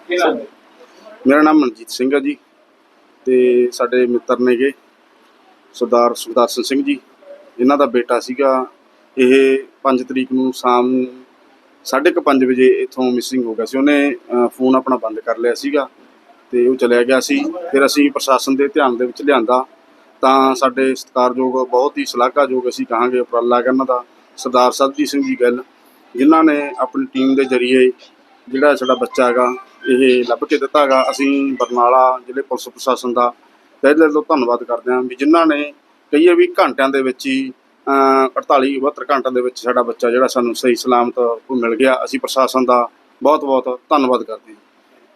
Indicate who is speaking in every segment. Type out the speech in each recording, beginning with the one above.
Speaker 1: मेरा नाम मनजीत सिंह है जी। तो साडे मित्र ने गे सरदार सुखदर्शन सिंह जी, इन्हां दा बेटा सीगा। ਇਹ 5 ਤਰੀਕ ਨੂੰ ਸ਼ਾਮ ਨੂੰ 5:30 ਵਜੇ ਇੱਥੋਂ ਮਿਸਿੰਗ ਹੋ ਗਿਆ ਸੀ। ਉਹਨੇ ਫੋਨ ਆਪਣਾ ਬੰਦ ਕਰ ਲਿਆ ਸੀਗਾ ਤੇ ਉਹ ਚਲਿਆ ਗਿਆ ਸੀ। ਫਿਰ ਅਸੀਂ ਪ੍ਰਸ਼ਾਸਨ ਦੇ ਧਿਆਨ ਦੇ ਵਿੱਚ ਲਿਆਂਦਾ ਤਾਂ ਸਾਡੇ ਸਤਿਕਾਰਯੋਗ ਬਹੁਤ ਹੀ ਸ਼ਲਾਘਾਯੋਗ ਅਸੀਂ ਕਹਾਂਗੇ ਉਪਰਾਲਾ ਹੈਗਾ ਇਹਨਾਂ ਦਾ ਸਰਦਾਰ ਸਰਬਜੀਤ ਸਿੰਘ ਜੀ ਗਿੱਲ, ਜਿਨ੍ਹਾਂ ਨੇ ਆਪਣੀ ਟੀਮ ਦੇ ਜ਼ਰੀਏ ਜਿਹੜਾ ਸਾਡਾ ਬੱਚਾ ਹੈਗਾ ਇਹ ਲੱਭ ਕੇ ਦਿੱਤਾ ਹੈਗਾ। ਅਸੀਂ ਬਰਨਾਲਾ ਜ਼ਿਲ੍ਹੇ ਪੁਲਿਸ ਪ੍ਰਸ਼ਾਸਨ ਦਾ ਤਹਿ ਦਿਲ ਤੋਂ ਧੰਨਵਾਦ ਕਰਦੇ ਹਾਂ ਵੀ ਜਿਨ੍ਹਾਂ ਨੇ ਕਹੀਏ ਵੀ ਘੰਟਿਆਂ ਦੇ ਵਿੱਚ ਹੀ 48-72 ਘੰਟਿਆਂ ਦੇ ਵਿੱਚ ਸਾਡਾ ਬੱਚਾ ਜਿਹੜਾ ਸਾਨੂੰ ਸਹੀ ਸਲਾਮਤ ਮਿਲ ਗਿਆ। ਅਸੀਂ ਪ੍ਰਸ਼ਾਸਨ ਦਾ ਬਹੁਤ ਬਹੁਤ ਧੰਨਵਾਦ ਕਰਦੇ ਹਾਂ।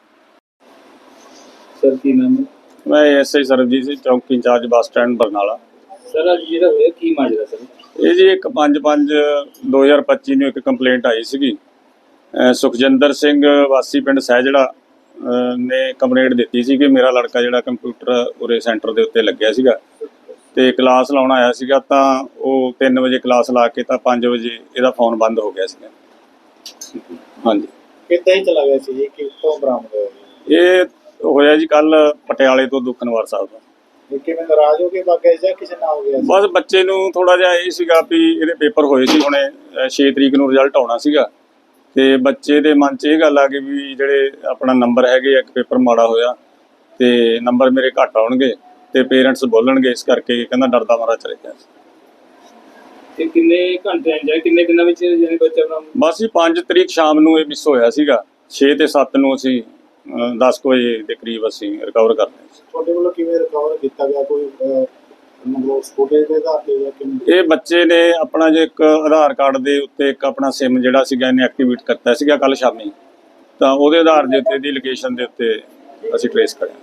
Speaker 2: सर की नाम है?
Speaker 3: मैं एसआई सरबजीत सिंह चौकी in charge bus stand Barnala.
Speaker 2: Sir अज जो होया की माजरा सर?
Speaker 3: ਇਹ ਜੀ ਇੱਕ 5/5/2025 ਨੂੰ ਇੱਕ ਕੰਪਲੇਂਟ ਆਈ ਸੀਗੀ। ਸੁਖਜਿੰਦਰ ਸਿੰਘ ਵਾਸੀ ਪਿੰਡ ਸਹਿਜੜਾ ਨੇ ਕੰਪਲੇਂਟ ਦਿੱਤੀ ਸੀ ਕਿ ਮੇਰਾ ਲੜਕਾ ਜਿਹੜਾ ਕੰਪਿਊਟਰ ਉਰੇ ਸੈਂਟਰ ਦੇ ਉੱਤੇ ਲੱਗਿਆ ਸੀਗਾ ਤੇ ਕਲਾਸ ਲਾਉਣ ਆਇਆ ਸੀਗਾ ਤਾਂ ਉਹ 3 ਵਜੇ ਕਲਾਸ ਲਾ ਕੇ ਤਾਂ 5 ਵਜੇ ਇਹਦਾ ਫੋਨ ਬੰਦ ਹੋ ਗਿਆ ਸੀਗਾ। ਹਾਂਜੀ,
Speaker 2: ਕਿੱਦਾਂ ਹੀ ਚਲਾ ਗਿਆ ਸੀ ਜੀ? ਕਿੱਥੋਂ ਬਰਾਮਦ ਹੋਇਆ?
Speaker 3: ਇਹ ਹੋਇਆ ਜੀ ਕੱਲ ਪਟਿਆਲੇ ਤੋਂ ਦੁਖਨਵਾਰ ਸਾਹਿਬ ਤੋਂ।
Speaker 2: ਕਿਵੇਂ ਨਾਰਾਜ਼ ਹੋ ਕੇ ਭੱਗ ਗਏ ਜਾਂ ਕਿਸੇ ਨਾਲ ਹੋ ਗਿਆ?
Speaker 3: ਬਸ ਬੱਚੇ ਨੂੰ ਥੋੜਾ ਜਿਹਾ ਇਹ ਸੀਗਾ ਵੀ ਇਹਦੇ ਪੇਪਰ ਹੋਏ ਸੀ ਹੁਣੇ 6 ਤਰੀਕ ਨੂੰ ਰਿਜ਼ਲਟ ਆਉਣਾ ਸੀਗਾ ਤੇ ਬੱਚੇ ਦੇ ਮਨ 'ਚ ਇਹ ਗੱਲ ਆ ਗਈ ਵੀ ਜਿਹੜੇ ਆਪਣਾ ਨੰਬਰ ਹੈਗੇ ਇੱਕ ਪੇਪਰ ਮਾੜਾ ਹੋਇਆ ਤੇ ਨੰਬਰ ਮੇਰੇ ਘੱਟ ਆਉਣਗੇ ਤੇ ਪੇਰੈਂਟਸ ਬੋਲਣਗੇ, ਇਸ ਕਰਕੇ ਕਹਿੰਦਾ ਡਰਦਾ ਮਾਰਾ ਚਲੇ ਗਿਆ।
Speaker 2: ਤੇ ਕਿੰਨੇ ਘੰਟੇ ਜਾਂ ਕਿੰਨੇ ਦਿਨਾਂ ਵਿੱਚ ਜਾਨੀ ਬੱਚਾ ਬਰਾਮਦ?
Speaker 3: ਬਸ ਜੀ 5 ਤਰੀਕ ਸ਼ਾਮ ਨੂੰ ਇਹ ਮਿਸ ਹੋਇਆ ਸੀਗਾ। 6 ਤੇ 7 ਨੂੰ ਅਸੀਂ 10 ਵਜੇ ਦੇ ਕਰੀਬ ਅਸੀਂ ਰਿਕਵਰ ਕਰ ਲਿਆ ਸੀ।
Speaker 2: ਤੁਹਾਡੇ ਵੱਲੋਂ ਕਿਵੇਂ ਰਿਕਵਰ ਕੀਤਾ ਗਿਆ? ਕੋਈ ਮਤਲਬ ਫੁਟੇਜ ਦੇ ਆਧਾਰ ਤੇ ਜਾਂ ਕਿਵੇਂ?
Speaker 3: ਇਹ ਬੱਚੇ ਨੇ ਆਪਣਾ ਜੇ ਇੱਕ ਆਧਾਰ ਕਾਰਡ ਦੇ ਉੱਤੇ ਇੱਕ ਆਪਣਾ ਸਿਮ ਜਿਹੜਾ ਸੀਗਾ ਇਹਨੇ ਐਕਟੀਵੇਟ ਕਰਤਾ ਸੀਗਾ ਕੱਲ ਸ਼ਾਮੀ, ਤਾਂ ਉਹਦੇ ਆਧਾਰ ਦੇ ਉੱਤੇ ਦੀ ਲੋਕੇਸ਼ਨ ਦੇ ਉੱਤੇ ਅਸੀਂ ਟ੍ਰੇਸ ਕਰਿਆ।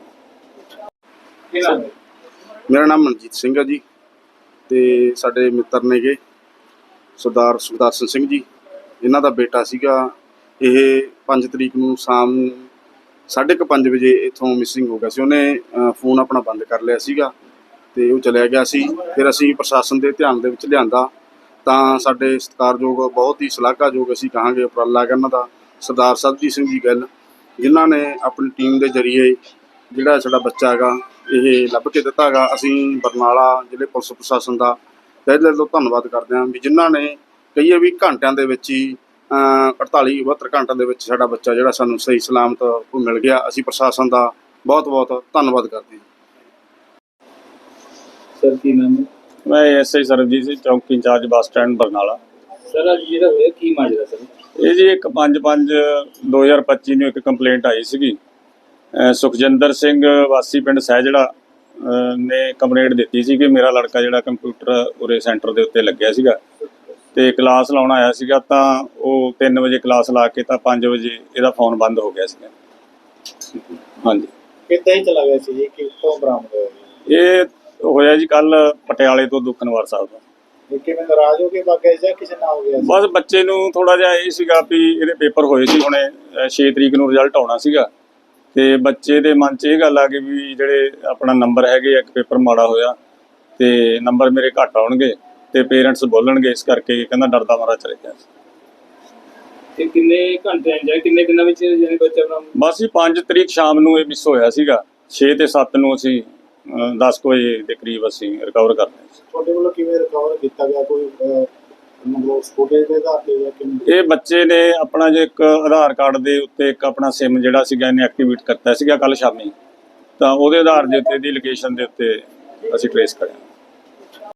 Speaker 1: मेरा नाम मनजीत सिंह है जी। तो साडे मित्र ने गे सरदार सुखदर्शन सिंह जी, इन्हां दा बेटा सीगा। ਇਹ 5 ਤਰੀਕ ਨੂੰ ਸ਼ਾਮ ਨੂੰ 5:30 ਵਜੇ ਇੱਥੋਂ ਮਿਸਿੰਗ ਹੋ ਗਿਆ ਸੀ। ਉਹਨੇ ਫੋਨ ਆਪਣਾ ਬੰਦ ਕਰ ਲਿਆ ਸੀਗਾ ਤੇ ਉਹ ਚਲਿਆ ਗਿਆ ਸੀ। ਫਿਰ ਅਸੀਂ ਪ੍ਰਸ਼ਾਸਨ ਦੇ ਧਿਆਨ ਦੇ ਵਿੱਚ ਲਿਆਂਦਾ ਤਾਂ ਸਾਡੇ ਸਤਿਕਾਰਯੋਗ ਬਹੁਤ ਹੀ ਸ਼ਲਾਘਾਯੋਗ ਅਸੀਂ ਕਹਾਂਗੇ ਉਪਰਾਲਾ ਹੈਗਾ ਇਹਨਾਂ ਦਾ ਸਰਦਾਰ ਸਰਬਜੀਤ ਸਿੰਘ ਜੀ ਗਿੱਲ, ਜਿਨ੍ਹਾਂ ਨੇ ਆਪਣੀ ਟੀਮ ਦੇ ਜ਼ਰੀਏ ਜਿਹੜਾ ਸਾਡਾ ਬੱਚਾ ਹੈਗਾ ਇਹ ਲੱਭ ਕੇ ਦਿੱਤਾ ਹੈਗਾ। ਅਸੀਂ ਬਰਨਾਲਾ ਜ਼ਿਲ੍ਹੇ ਪੁਲਿਸ ਪ੍ਰਸ਼ਾਸਨ ਦਾ ਤਹਿ ਦਿਲ ਤੋਂ ਧੰਨਵਾਦ ਕਰਦੇ ਹਾਂ ਵੀ ਜਿਨ੍ਹਾਂ ਨੇ ਕਹੀਏ ਵੀ ਘੰਟਿਆਂ ਦੇ ਵਿੱਚ ਹੀ 48-72 ਘੰਟਿਆਂ ਦੇ ਵਿੱਚ ਸਾਡਾ ਬੱਚਾ ਜਿਹੜਾ ਸਾਨੂੰ ਸਹੀ ਸਲਾਮਤ ਮਿਲ ਗਿਆ। ਅਸੀਂ ਪ੍ਰਸ਼ਾਸਨ ਦਾ ਬਹੁਤ ਬਹੁਤ ਧੰਨਵਾਦ ਕਰਦੇ ਹਾਂ।
Speaker 2: ਸਰ ਕੀ ਨਾਮ ਹੈ?
Speaker 3: ਮੈਂ ਐਸਆਈ ਸਰਬਜੀਤ ਸਿੰਘ ਚੌਕੀ incharge bus stand Barnala.
Speaker 2: Sir ਅਜ ਜਿਹੜਾ ਹੋਇਆ ਕੀ ਮਾਜਰਾ ਸਰ?
Speaker 3: ਇਹ ਜੀ ਇੱਕ 5/5/2025 ਨੂੰ ਇੱਕ ਕੰਪਲੇਂਟ ਆਈ ਸੀਗੀ। ਸੁਖਜਿੰਦਰ ਸਿੰਘ ਵਾਸੀ ਪਿੰਡ ਸਹਿਜੜਾ ਨੇ ਕੰਪਲੇਂਟ ਦਿੱਤੀ ਸੀ ਕਿ ਮੇਰਾ ਲੜਕਾ ਜਿਹੜਾ ਕੰਪਿਊਟਰ ਉਰੇ ਸੈਂਟਰ ਦੇ ਉੱਤੇ ਲੱਗਿਆ ਸੀਗਾ ਤੇ ਕਲਾਸ ਲਾਉਣ ਆਇਆ ਸੀਗਾ ਤਾਂ ਉਹ 3 ਵਜੇ ਕਲਾਸ ਲਾ ਕੇ ਤਾਂ 5 ਵਜੇ ਇਹਦਾ ਫੋਨ ਬੰਦ ਹੋ ਗਿਆ ਸੀਗਾ। ਹਾਂਜੀ,
Speaker 2: ਕਿੱਦਾਂ ਹੀ ਚਲਾ ਗਿਆ ਸੀ ਜੀ? ਕਿੱਥੋਂ ਬਰਾਮਦ ਹੋਇਆ?
Speaker 3: ਇਹ ਹੋਇਆ ਜੀ ਕੱਲ ਪਟਿਆਲੇ ਤੋਂ ਦੁਖਨਵਾਰ ਸਾਹਿਬ ਤੋਂ।
Speaker 2: ਕਿਵੇਂ ਨਾਰਾਜ਼ ਹੋ ਕੇ ਭੱਗ ਗਏ ਜਾਂ ਕਿਸੇ ਨਾਲ ਹੋ ਗਿਆ?
Speaker 3: ਬਸ ਬੱਚੇ ਨੂੰ ਥੋੜਾ ਜਿਹਾ ਇਹ ਸੀਗਾ ਵੀ ਇਹਦੇ ਪੇਪਰ ਹੋਏ ਸੀ ਹੁਣੇ 6 ਤਰੀਕ ਨੂੰ ਰਿਜ਼ਲਟ ਆਉਣਾ ਸੀਗਾ ਤੇ ਬੱਚੇ ਦੇ ਮਨ 'ਚ ਇਹ ਗੱਲ ਆ ਗਈ ਵੀ ਜਿਹੜੇ ਆਪਣਾ ਨੰਬਰ ਹੈਗੇ ਇੱਕ ਪੇਪਰ ਮਾੜਾ ਹੋਇਆ ਤੇ ਨੰਬਰ ਮੇਰੇ ਘੱਟ ਆਉਣਗੇ ਤੇ ਪੇਰੈਂਟਸ ਬੋਲਣਗੇ, ਇਸ ਕਰਕੇ ਕਹਿੰਦਾ ਡਰਦਾ ਮਾਰਾ ਚਲੇ ਗਿਆ।
Speaker 2: ਤੇ ਕਿੰਨੇ ਘੰਟੇ ਜਾਂ ਕਿੰਨੇ ਦਿਨਾਂ ਵਿੱਚ ਜਾਨੀ ਬੱਚਾ ਬਰਾਮਦ?
Speaker 3: ਬਸ ਜੀ 5 ਤਰੀਕ ਸ਼ਾਮ ਨੂੰ ਇਹ ਮਿਸ ਹੋਇਆ ਸੀਗਾ। 6 ਤੇ 7 ਨੂੰ ਅਸੀਂ 10 ਵਜੇ ਦੇ ਕਰੀਬ ਅਸੀਂ ਰਿਕਵਰ ਕਰ ਲਿਆ ਸੀ।
Speaker 2: ਤੁਹਾਡੇ ਵੱਲੋਂ ਕਿਵੇਂ ਰਿਕਵਰ ਕੀਤਾ ਗਿਆ? ਕੋਈ ਮਤਲਬ ਫੁਟੇਜ ਦੇ ਆਧਾਰ ਤੇ ਜਾਂ ਕਿਵੇਂ?
Speaker 3: ਇਹ ਬੱਚੇ ਨੇ ਆਪਣਾ ਜੇ ਇੱਕ ਆਧਾਰ ਕਾਰਡ ਦੇ ਉੱਤੇ ਇੱਕ ਆਪਣਾ ਸਿਮ ਜਿਹੜਾ ਸੀਗਾ ਇਹਨੇ ਐਕਟੀਵੇਟ ਕਰਤਾ ਸੀਗਾ ਕੱਲ ਸ਼ਾਮੀ, ਤਾਂ ਉਹਦੇ ਆਧਾਰ ਦੇ ਉੱਤੇ ਦੀ ਲੋਕੇਸ਼ਨ ਦੇ ਉੱਤੇ ਅਸੀਂ ਟ੍ਰੇਸ ਕਰਿਆ।